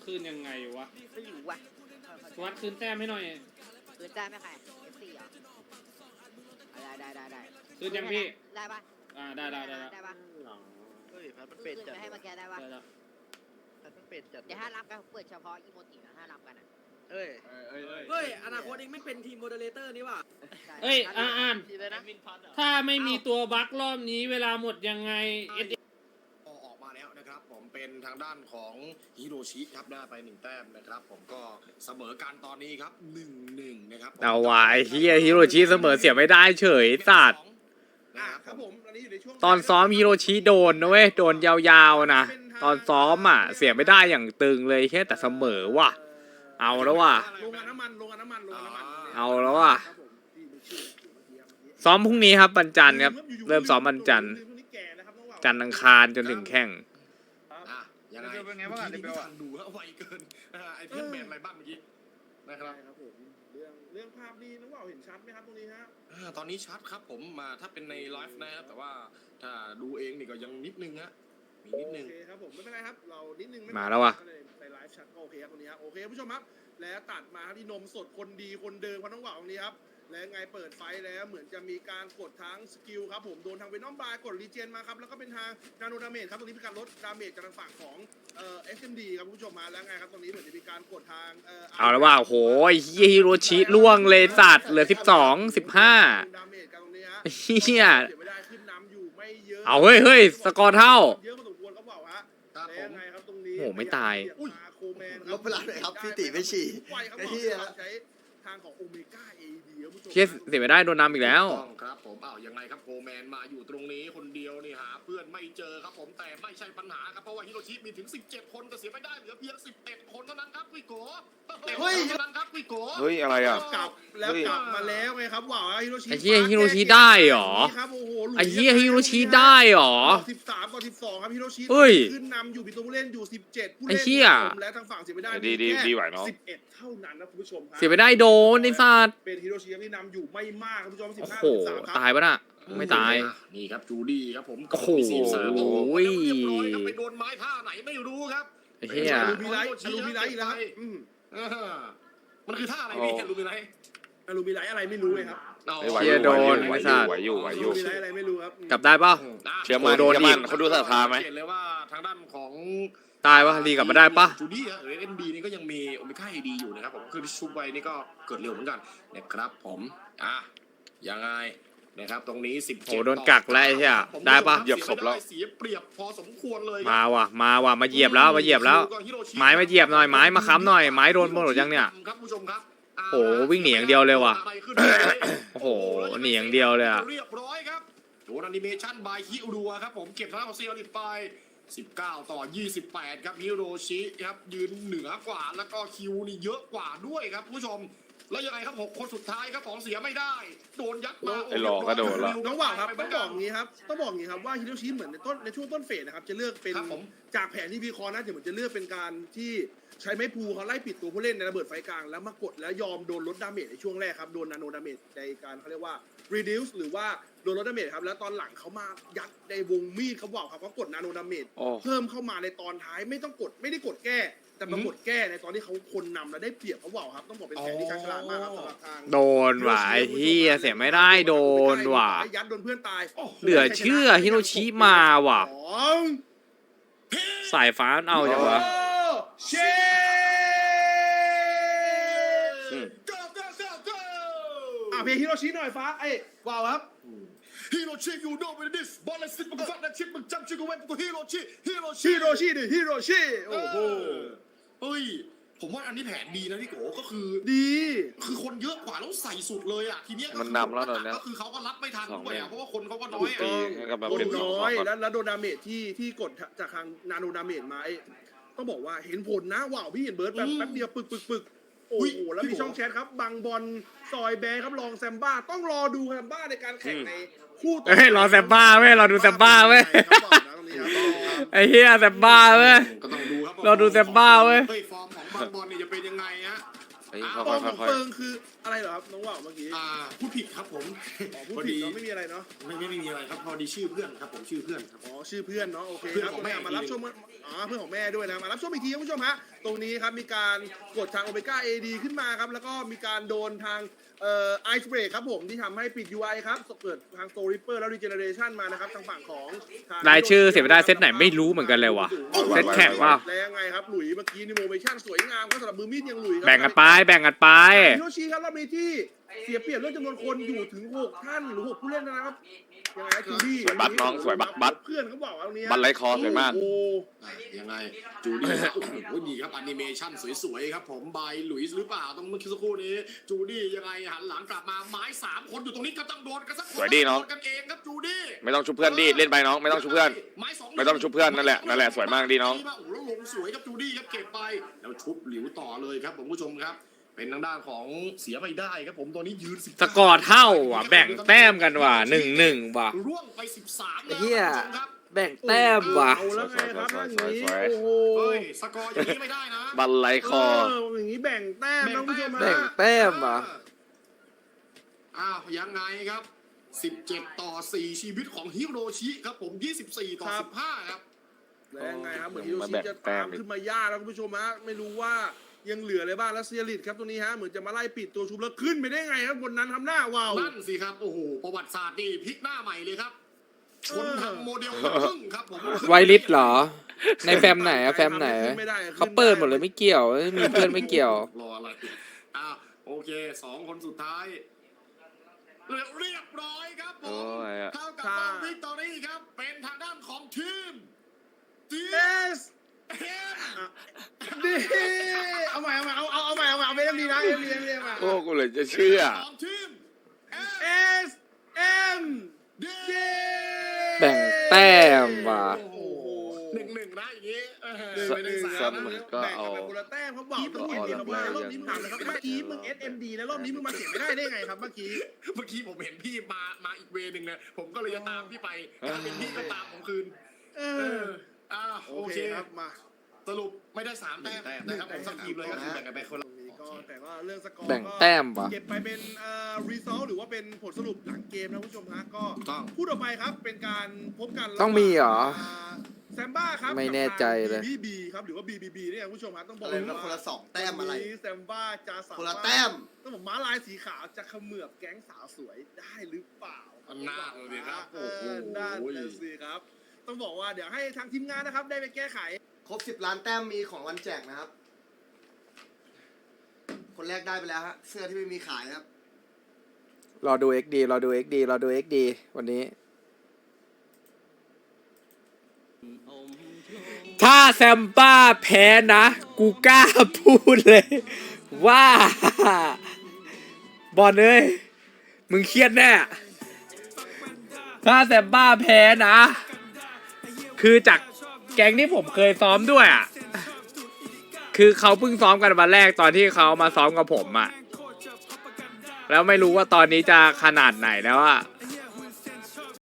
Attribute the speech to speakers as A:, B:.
A: คืนยังไงวะ
B: ไม่อยู่ว่ะ
A: วัดคืนแต้มให้หน่อย
B: คืนได้ไหมใคร F4 เหรอได้
A: คืนยังพี่
B: ได้ปะ
A: ได้
B: ได้ปะ
C: เฮ้ยพัดมันเป็ด
B: คืน
C: จัด
B: ไปให้เมื่อกี้ได้ปะ
C: พัดมันเป็ดจัด
B: เดี๋ยวห้ารับกันเปิดเฉพาะอีโมจินะห้ารับกันอ่ะ
C: เฮ้ย
D: เฮ้ยอนาคตเองไม่เป็นทีมโมเดเลเตอร์นี่ว่ะ
A: เอ้ยอ่าน
C: ทีเลยนะ
A: ถ้าไม่มีตัวบั๊กรอบนี้เวลาหมดยังไง
E: ออกมาแล้วนะครับผมเป็นทางด้านของฮิโรชิครับได้ไป1แต้มนะครับผมก็เสมอกันตอนนี้ครับ 1-1 นะครับ
F: เอาวะไอ้เฮียฮิโรชิเสมอเสียไม่ได้เฉยสัตว์
E: ครับผมตอนนี้อยู่ในช่วง
F: ตอนซ้อมฮิโรชิโดนนะเว้ยโดนยาวๆนะตอนซ้อมอ่ะเสียไม่ได้อย่างตึงเลยแค่แต่เสมอว่ะเอาแล้วว่ะ
E: ลงกันน้ำมัน
F: เอาแล้วว่ะซ้อมพรุ่งนี้ครับวันจันทร์ครับเริ่มซ้อมวันจันทร์จันทร์อังคารจนถึงแข่ง
E: ยังไงเป็นไงบ้างอ่ะเดี๋ยวฟังดูว่าไวเกินไอเพี้ยนแมนอะไรบ้างเมื่อกี้นะครับผมเรื่องภาพนี้น้องว่าวเห็นชัดไหมครับตรงนี้ฮะตอนนี้ชัดครับผมมาถ้าเป็นในไลฟ์นะครับแต่ว่าถ้าดูเองนี่ก็ยังนิดนึงฮะมีนิดนึงโอเคครับผมไม่เป็นไรครับเรานิดนึง
F: มาแล้วว่ะ
E: ในไลฟ์ชัดก็โอเคครับตรงนี้ครับโอเคผู้ชมครับแล้วตัดมาที่นมสดคนดีคนเดิมของน้องว่าวตรงนี้ครับและไงเปิดไฟแล้วเหมือนจะมีการกดทั้งสกิลครับผมโดนทางเวนอมบายกดรีเจนมาครับแล้วก็เป็นทางนาโนดาเมจครับตรงนี้เป็นการลดดาเมจจากทางฝั่งของSMD ครับคุณผู้ชมมาแล้วไงครับตรงนี้เหมือนจะมีการกดทาง
F: เอาแล้วว่าโอ้โหเฮียฮิโรชิล่วงเลยสัตว์เหลือ12 15
E: ดาเมจกันตรงนี้ฮะ
F: เฮีย
E: เสียไม่ได้ขึ้นนำอยู่ไม่เยอะ
F: เอาเฮ้ยสกอร์เท่า
E: เยอะพอสมควรครับบอกฮะ
C: ครับ
E: แล้ว
C: ผม
E: ยังไงครับตรงนี้
F: โอ้โหไม่ตาย
E: โคแมน
C: ลบเวลาหน่อยครับพี่ติไม่ฉี่
E: ไวครับ
C: ไอ้
E: บอก
C: เหี้ย
E: ใช้ทางของโอเมก้าเอดีครับคุณผู้ชม
F: เฮียเสียไม่ได้โดนนำอีกแล้ว
E: ต้องครับผมยังไงครับโคแมนมาอยู่ตรงนี้คนเดียวนี่หาเพื่อนไม่เจอครับผมแต่ไม่ใช่ปัญหาครับเพราะว่าฮิโรชิมีถึง17คนแต่เสียไม่ได้เหลือเพียง11คนเท่านั้นครับวิโกเฮ้ยเท่านั้นครับวิโก
G: เฮ้ยอะไรอ่ะ
E: กลับแล้วกลับมาแล้วไงครับว้าวฮิโรชิ
F: ไอ้เหี้ยฮิโรชิได้เหรอ
E: ครับโอ้โห
F: ไอ้เฮียฮิโรชิได้เหรอ
E: 13 ต่อ 12ครับฮิโรชิ
F: เฮ้ย
E: ขึ้นนำอยู่มีตัวผู้เล่นอยู่17ผู้
F: ไอ้
E: เล่น
F: เหี้ย
E: และทางฝั่งเสียไม่ได้
G: ดีไหวเนอะ
E: 11เท่านั้นนะคุณผู้ชมครับ
F: เสียไม่ได้โดนไอ้สัตว์
E: เป็นฮิโรชิที่นำอยู่ไม่มากครับคุณผู้ชม
F: โอ้
E: 15
F: โห
E: ต่อ 13ครับ
F: ตายปะน่ะไม่ตาย
E: นี่ครับจูดี้ครับผม
F: โอ้โห
E: 43โอ้โหเรียบร้อยครับไปโดนไม้ท่าไหนไม่รู้ครับ
F: ไอ้เฮีย
E: ลูมิไลท์อีกแล้วครับมันคือท่าอะไรพี่ลูมิไลท์ลูมิไลท์อะไรไม่รู้เลยครับ
G: ไหว
F: เชียร์โดน
G: ไหว
F: ไม่
G: อ
F: ทรา
G: ยู่
F: บ
G: ไหวอยู่
E: ลูมิไลท์อะไรไม่รู้ครับ
F: กลับได้ป่ะ
G: เชื่อมัน
F: โดน
G: เชื่อมัน
F: อีก
G: เขาดูศรัทธาไหม
E: เห็นเลยว่าทางด้านของ
F: ตายป่ะรีกลับมาได้ป่ะ
E: จูดี้หรือเอ็นดีนี่ก็ยังมีโอเมก้าเอดีอยู่นะครับผมคือชุบไว้นี่ก็เกิดเร็วเหมือนกันนะครับผมยังไงนะครับตรงนี้17
F: โอ้โดนกักแล้วไอ้เหี้ยได้ปะ
E: เหยียบศพแล้วเสียเปรียบพอสมควรเลย
F: มาว่ะมาเหยียบแล้วมาเหยียบแล้ว ไม้มาเหยียบหน่อยไม้มาค้ำหน่อยไม้โดนหมดหรือยังเนี่ย
E: ครับผู้ชมครับ
F: โอ้โหวิ่งหนีอย่างเดียวเลยว่ะ
E: อะไรขึ้นมาเนี่ย
F: โอ้โหหนีอย่างเดียวเลยอะ
E: เรียบร้อยครับโดนแอนิเมชั่นบายฮิโรัวครับผมเก็บทางด้านของเซียริไป19 ต่อ 28ครับฮิโรชิครับยืนเหนือกว่าแล้วก็คิวนี่เยอะกว่าด้วยครับผู้ชมแล้วยังไงครับ6คนสุดท้ายครับของเสียไม่ได้โดนยัดมา
G: ไอ้หลอกก็โดนละ
E: น้องว่าวครับต้องบอกอย่างนี้ครับว่าฮิโรชิเหมือนในช่วงต้นเฟสนะครับจะเลือกเป็นจากแผนที่วิเคราะห์นะเหมือนจะเลือกเป็นการที่ใช้ไม้พูเขาไล่ปิดตัวผู้เล่นในระเบิดไฟกลางแล้วมากดแล้วยอมโดนลดดาเมจในช่วงแรกครับโดนนาโนดาเมจในการเขาเรียกว่า reduce หรือว่าโดนลดดาเมจครับแล้วตอนหลังเขามายัดในวงมีดเขาบอกครับเขากดนาโนดาเมจ
F: โอ้
E: เพิ่มเข้ามาในตอนท้ายไม่ได้กดแก้แต่มากดแก้ในตอนที่เขาคนนำแล้วได้เปรียบเขาบอกครับต้องบอกเป็นแผนที่ฉลาดมากครับสำหรับทาง
F: โดนว่ะไอ้เฮียเสียไม่ได้โดนว่ะ
E: ยัดโดนเพื่อนตาย
F: เหลือเชื่อฮิโรชิมาว่ะ
E: สอง
F: สายฟ้าเอาจังวะ
E: เช
G: อืม
E: เพลงฮิโรชิหน่อยฟ้าว้าวครับ
H: ฮิโรชิยูโน่เป็นดิสบอลเลสิตมึงฟังนะชิปมึงจำชื่อกูไว้กูฮิโรชิ
E: ฮิโรชิโอ้โห
H: เฮ้ยผมว่าอันนี้แผนดีนะพี่โกก็คือ
E: ดี
H: คือคนเยอะกว่าแล้วใส่สุดเลยอ่ะทีเนี้ย
G: มันนำแล้วตอนเนี้ย
H: ก็คือเขาก็รับไม่ทัน
G: สอง
H: ด้วย
G: เก
H: อ่ะ
G: ม
H: เพราะว่าคนเขาก็น้
E: ถู
H: อย
E: กต้
H: อ่ะ
E: อง
G: ให้กับแบบ
E: คน
G: เป็น
E: น้อย
G: สอง
E: แล้วโดนดาเมจที่กดจากทางนาโนดาเมจมาต้องบอกว่าเห็นผลนะว้าวพี่เห็นเบิร์ดแป๊บเดียวปึกโอ้โหแล้วมีช่องแชทครับบังบอลซอยแบร์ครับลองแซมบ้าต้องรอดูแซมบ้าในการแข่งในคู่ต่อ
F: เฮ้ยรอแซมบ้าเว้ยรอดูแซมบ้าเว้ยไอ้เฮียแซมบ้าเว้ย
H: ก็ต้องดูครับ
F: เราดูแซมบ้าเว้ย
H: ฟอร์มของบางบอลเนี่ยจะเป็นยังไงฮะ
G: เฮ้ย
E: ป
G: ค่
E: อ
G: อย
E: ของ
G: ๆค่อย
E: เฟิงคืออะไรเหรอครับน้องว่าวเมื่อกี้
H: พูดผิดครับผม
E: อ๋อพูดผิดเนาะไม่มีอะไรเนาะ
H: ไม่มีอะไรครับพอดีชื่อเพื่อนครับผมชื่อเพื่อนครับ
E: อ๋อชื่อเพื่อนเนาะโอเค
H: เพื่อน
E: ครับ
H: ของแม่
E: มารับชมเพื่อนของแม่ด้วยนะมารับชมอีกทีคุณผู้ชมฮะตรงนี้ครับมีการกดทางโอเมก้าเอดีขึ้นมาครับแล้วก็มีการโดนทางไอซ์เบรกครับผมที่ทำให้ปิด UI ครับเปิดทางโซลิปเปอร์แล้วรีเจเนเรชันมานะครับทางฝั่งของทง
F: รายชื่อเสียไม่ได้เซตไหนไม่รู้เหมือนกันเลยว่ะเซตแข่งว่า
E: แล้วยังไงครับหลุยเมื่อกี้นิโมเมชั่นสวยงามก็สำหรับมือมีดยังหลุยครั
F: แบ่งกันไปแบ่งกันไป
E: ฮิโรชิครับรอบนี้ที่เสียเปรียบเรื่องจำนวนคนอยู่ถึง6ท่านหรือ6ผู้เล่นนะครับยังไงจูดี้
G: สวยบัตรน้องสวยบัตร
E: เพื่อนเขาบอกว่าตรงนี้
G: บัตรไร้คอสวยมาก
E: โอ้
H: ยังไงจูดี้โอ้โหดีครับแอนิเมชันสวยๆครับผมบายหลุยส์หรือเปล่าต้องเมื่อกี้สักครู่นี้จูดี้ยังไงหันหลังกลับมาไม้3คนอยู่ตรงนี้ก็ต้องโดนกันสักคน
G: สวยดีน้อง
H: โดกันเองครับจูดี้
G: ไม่ต้องชุบเพื่อนดิเล่นไปน้องไม่ต้องชุบเพื่อน
H: ไม้สอง
G: ไม่ต้องชุบเพื่อนนั่นแหละนั่นแหละสวยมากดีน้อง
H: โอ้โหแล้วลงสวยครับจูดี้ครับเก็บไปแล้วชุบหลิวต่อเลยครับผมผู้ชมครับ เป็นทางด้านของเสียไม่ได้ครับผมตัวนี้ยืน19
F: สกอร์เท่าว่ะแบ่งแต้มกันว่ะ1-1ว่ะ
H: ร่วงไป13
D: ไอ้เหี้ย
H: แล้วครับ
D: แบ่งแต้มว่ะ
E: เอาแล้วไงครับอย่างนี้
G: สวยๆ
E: โอ้โห
H: เฮ้ยสกอร์อย่างนี้ไม่ได้นะ
G: บัตรไร้คอ
E: อย่างนี้แบ่งแต้มนะคุณผู้ชม
D: แบ่ง
E: ฮะ
D: แต้มว่ะ
H: อ้าวยังไงครับ 17 ต่อ 4 ชีวิตของฮิโรชิครับผม 24 ต่อ 15 ครับ
E: แล้วยังไงครับเหมือนฮิโร
G: มา
E: ชิ
G: แบ่ง
E: จะ
G: แต้
E: ตาม มขึ้นมายากแล้วคุณผู้ชมฮะไม่รู้ว่ายังเหลืออะไรบ้างแล้วเซียริตครับตัวนี้ฮะเหมือนจะมาไล่ปิดตัวชุบแล้วขึ้นไปได้ไงครับบนนั้นทำหน้าวาว
H: นั่นสิครับ โอ้โห ประวัติศาสตร์นี่พลิกหน้าใหม่เลยครับ ชนทางโมเดลพึ่งครับผม
D: ไวลิสเหรอ ในแฟมไหนอะแฟมไหน
E: ไม่ได้
D: เขาเปิดหมดเลยไม่เกี่ยวมีเพื่อนไม่เกี่ยว
H: รออะไรอ้าวโอเค 2 คนสุดท้าย เรียบร้อยครับผ
G: โอ้
H: ม
G: ยอะ
H: เท่ากับว่าวิกตอรี่ครับ เป็นทางด้านของทีม
E: เอสดีเอาใหม่เอาใหม่เอาเอ็มดีนะเอ็มดีมา
G: โอ้กูเลยจะเชื่อ
H: ของทีม
E: เอสเอ็มดี
D: แบ่งแต้มว่ะ
H: โอ้โห1-1นะอย่างงี้
E: หนึ่ง
G: ซ้ำ
E: แบ่ง
G: ก็
E: กัน
G: เอา
E: ไปคนละแต้มเขาบอกเมื่อกี้นี่มารอบนี้ถามนะครับเมื่อกี้มึง SMD แล้วรอบนี้มึงมาเสียไม่ได้ไงครับเมื่อกี้
H: เมื่อกี้ผมเห็นพี่มาอีกเวนึงนะผมก็เลยจะตามพี่ไปถ้าเป็นพี่ก็ตามผมคืน โอ
E: โอ
H: เค
E: เคครับมา
H: สรุปไม่ได้3 แต้มนะครับผมสักทีมเลยก็คือแบ่งกันไปคนละ
E: ก็แต่ว่าเรื่องสกอร์
D: แบ่งแต้มว่ะ
E: เก็บไปเป็นรีซอลหรือว่าเป็นผลสรุปหลังเกมนะคุณผู้ชมฮะก็
H: ถูกต้อง
E: พูดออกไปครับเป็นการพบกัน
D: ต้องมีเหรอ
E: แซมบ้าครับ
D: ไม่แน่ใจเลย
E: บีบีครับหรือว่า BBB เนี่ยคุณผู้ชมฮะต้องบอก
C: อะไรนะคนละ2 แต้มอะไร
E: วันนี้แซมบ้าจะสามารถ
C: คนละแต้ม
E: ต้องบอกม้าลายสีขาวจะเขมือบแก๊งสาวสวยได้หรือเปล่า
H: น่าเลยครับ
E: เออด้านนั่นสิครับ ต้องบอกว่าเดี๋ยวให้ทางทีมงานนะครับได้ไปแก้ไข
C: ครบ10 ล้านแต้มมีของวันแจกนะครับ คนแรกได้ไปแล้วฮะเสื้อที่ไม่มีขายนะครับ
D: รอดู XD รอดู XD รอดู XD วันนี้ ถ้าแซมบ้าแพ้นะ กูกล้าพูดเลย ว่าบอลเอ้ยมึงเครียดแน่ ถ้าแซมบ้าแพ้นะ คือจากแก๊งที่ผมเคยซ้อมด้วยอ่ะ คือเขาเพิ่งซ้อมกันวันแรกตอนที่เขามาซ้อมกับผมอ่ะ แล้วไม่รู้ว่าตอนนี้จะขนาดไหนแล้วอ่ะ